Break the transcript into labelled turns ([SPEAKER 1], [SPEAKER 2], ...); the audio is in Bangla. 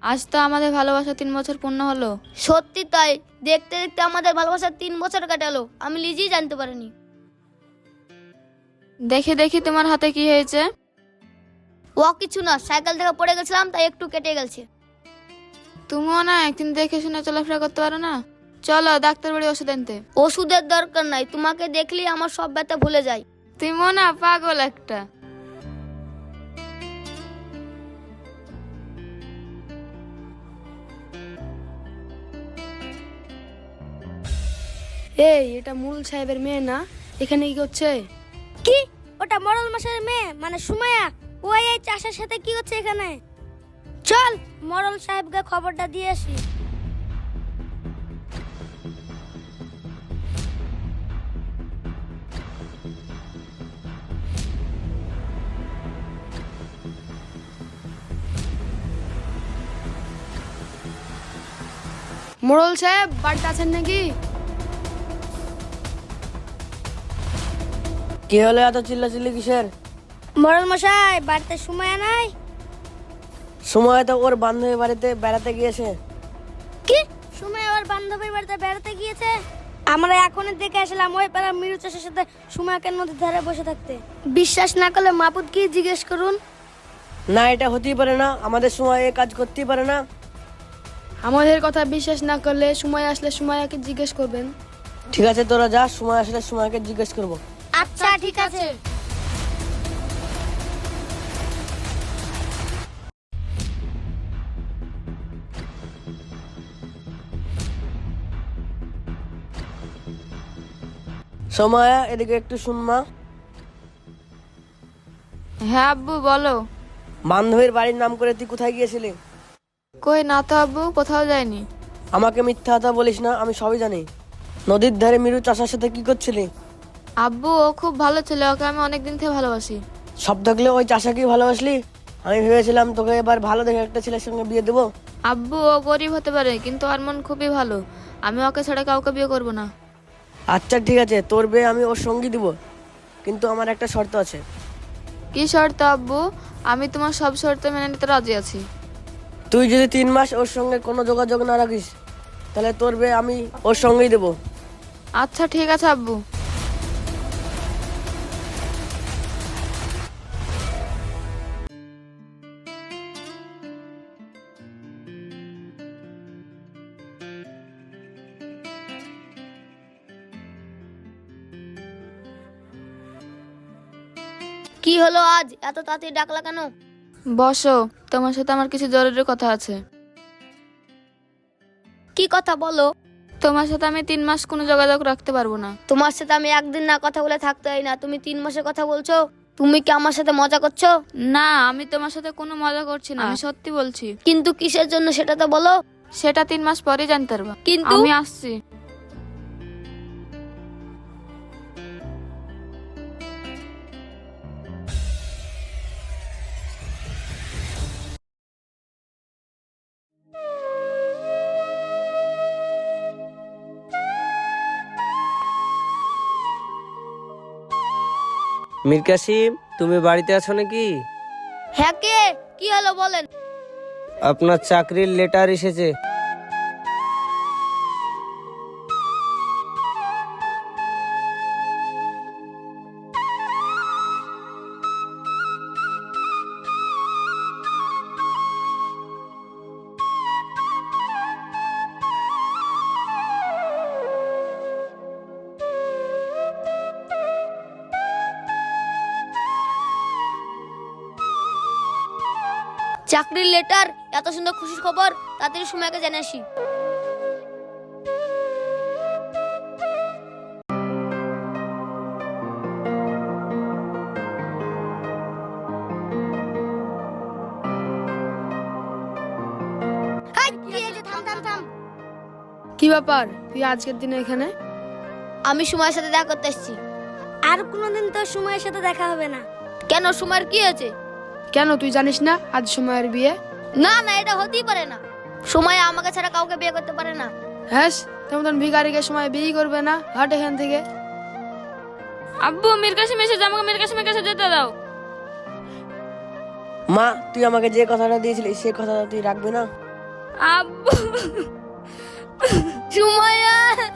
[SPEAKER 1] আজ তো আমাদের ভালোবাসা 3 বছর পূর্ণ হলো।
[SPEAKER 2] সত্যি তাই, দেখতে দেখতে আমাদের ভালোবাসা 3 বছর কাটালো, আমি নিজেই জানতে পারিনি।
[SPEAKER 1] দেখি দেখি তোমার হাতে কি হয়েছে।
[SPEAKER 2] ও কিছু না, সাইকেল থেকে পড়ে গেছিলাম তাই একটু কেটে গেছে।
[SPEAKER 1] তুমিও না একদিন দেখে শুনে চলাফেরা করতে পারো না? চলো ডাক্তার বাড়ি ওষুধ আনতে।
[SPEAKER 2] ওষুধের দরকার নাই, তোমাকে দেখলেই আমার সব ব্যথা ভুলে যায়।
[SPEAKER 1] তুমিও না পাগল একটা।
[SPEAKER 3] এই, এটা মুরুল সাহেবের মেয়ে না? এখানে কি করছে?
[SPEAKER 2] কি? ওটা মরল মাসের মেয়ে, মানে সুমাইয়া। ও এই চাষের সাথে কি করছে এখানে? চল মরল সাহেবকে খবরটা দিয়ে আসি।
[SPEAKER 3] মোড়ল সাহেব বাড়িতে আছেন নাকি?
[SPEAKER 4] কি হলো এত চিল্লাচিল্লি কিসের?
[SPEAKER 2] মরল মশাই, বাড়িতে সুমাইয়া নাই?
[SPEAKER 4] সময় তো ওর বান্ধবীর বাড়িতে বেড়াতে গিয়েছে।
[SPEAKER 2] কি? সুমাইয়া ওর বান্ধবীর বাড়িতে বেড়াতে গিয়েছে? আমরা এখনই দেখে আসলাম ওই পাড়া মিরু চাষের সাথে সুমাইয়াকে নদীর ধারে বসে থাকতে। বিশ্বাস না করলে মাপুতকে জিজ্ঞেস করুন।
[SPEAKER 4] না, এটা হতেই পারে না, আমাদের সময় এ কাজ করতেই পারে না।
[SPEAKER 3] আমাদের কথা বিশ্বাস না করলে সময় আসলে সুমাইয়াকে জিজ্ঞেস করবেন।
[SPEAKER 4] ঠিক আছে, তোরা যা, সময় আসলে সময়কে জিজ্ঞেস করবো।
[SPEAKER 2] আচ্ছা ঠিক আছে।
[SPEAKER 4] সময় এদিকে একটু শুনমা।
[SPEAKER 1] হ্যাঁ আব্বু বলো।
[SPEAKER 4] বান্ধবীর বাড়ির নাম করে তুই কোথায় গিয়েছিলি?
[SPEAKER 1] কই না তো আব্বু, কোথাও যায়নি।
[SPEAKER 4] আমাকে মিথ্যা কথা বলিস না, আমি সবই জানি। নদীর ধারে মিরু চাষার সাথে কি করছিলি?
[SPEAKER 1] আব্বু ও খুব ভালো ছেলে, ওকে আমি অনেকদিন থেকে ভালোবাসি।
[SPEAKER 4] সব থাকলে ওই চাষাকেই ভালোবাসলি? আমি ভেবেছিলাম তোকে এবার ভালো দেখে একটা ছেলের সঙ্গে বিয়ে দেবো।
[SPEAKER 1] আব্বু ও গরিব হতে পারে কিন্তু ওর মন খুবই ভালো, আমি ওকে ছাড়া কাউকে বিয়ে করব না।
[SPEAKER 4] আচ্ছা ঠিক আছে, তোর বিয়ে আমি ওর সঙ্গী দিব, কিন্তু আমার একটা শর্ত আছে।
[SPEAKER 1] কি শর্ত আব্বু? আমি তোমার সব শর্ত মেনে নিতে রাজি আছি।
[SPEAKER 4] তুই যদি 3 মাস ওর সঙ্গে কোনো যোগাযোগ না রাখিস, তাহলে তোর বিয়ে আমি ওর সঙ্গেই দেবো।
[SPEAKER 1] আচ্ছা ঠিক আছে আব্বু।
[SPEAKER 2] কি হলো আজ এত তাড়াতাড়ি ডাকলা কেন?
[SPEAKER 1] বসো, তোমার সাথে আমার কিছু জরুরি কথা আছে।
[SPEAKER 2] কি কথা বলো?
[SPEAKER 1] তোমার সাথে আমি 3 মাস কোনো যোগাযোগ রাখতে পারবো না।
[SPEAKER 2] তোমার সাথে আমি একদিন না কথা বলে থাকতে হয় না, তুমি 3 মাসের কথা বলছো? তুমি কি আমার সাথে মজা করছো?
[SPEAKER 1] না, আমি তোমার সাথে কোনো মজা করছি না, আমি সত্যি বলছি।
[SPEAKER 2] কিন্তু কিসের জন্য সেটা তো বলো।
[SPEAKER 1] সেটা 3 মাস পরে জানতে পারবা।
[SPEAKER 2] কিন্তু
[SPEAKER 1] আমি আসছি।
[SPEAKER 5] মীর কাসিম, তুমি বাড়িতে আছো নাকি?
[SPEAKER 2] হ্যাঁ, কে? কি হলো বলেন।
[SPEAKER 5] আপনার চাকরির লেটার এসেছে।
[SPEAKER 2] চাকরির লেটার? এত সুন্দর খুশির খবর, তাড়াতাড়ি সময়কে জেনে আসি।
[SPEAKER 3] কি ব্যাপার, তুই আজকের দিনে এখানে?
[SPEAKER 2] আমি সময়ের সাথে দেখা করতে এসেছি। আর কোনোদিন তোর সময়ের সাথে দেখা হবে না। কেন, সময়ের কি হয়েছে?
[SPEAKER 3] কেন, তুই জানিস না আজ সময়ের বিয়ে?
[SPEAKER 2] না না, এটা হতেই পারে না। সময় আমাকে ছাড়া কাউকে বিয়ে করতে পারে না।
[SPEAKER 3] হ্যাঁ, তেমন ভিখারিকে সময় বিয়ে করবে না, হাট এখান থেকে।
[SPEAKER 1] আব্বু মীর কাসিম এসেছে, আমাকে মীর কাসিমের কাছে যেতে দাও।
[SPEAKER 4] মা, তুই আমাকে যে কথাটা দিয়েছিলি সে কথাটা তুই রাখবি না?
[SPEAKER 2] আব্বু সুমাইয়া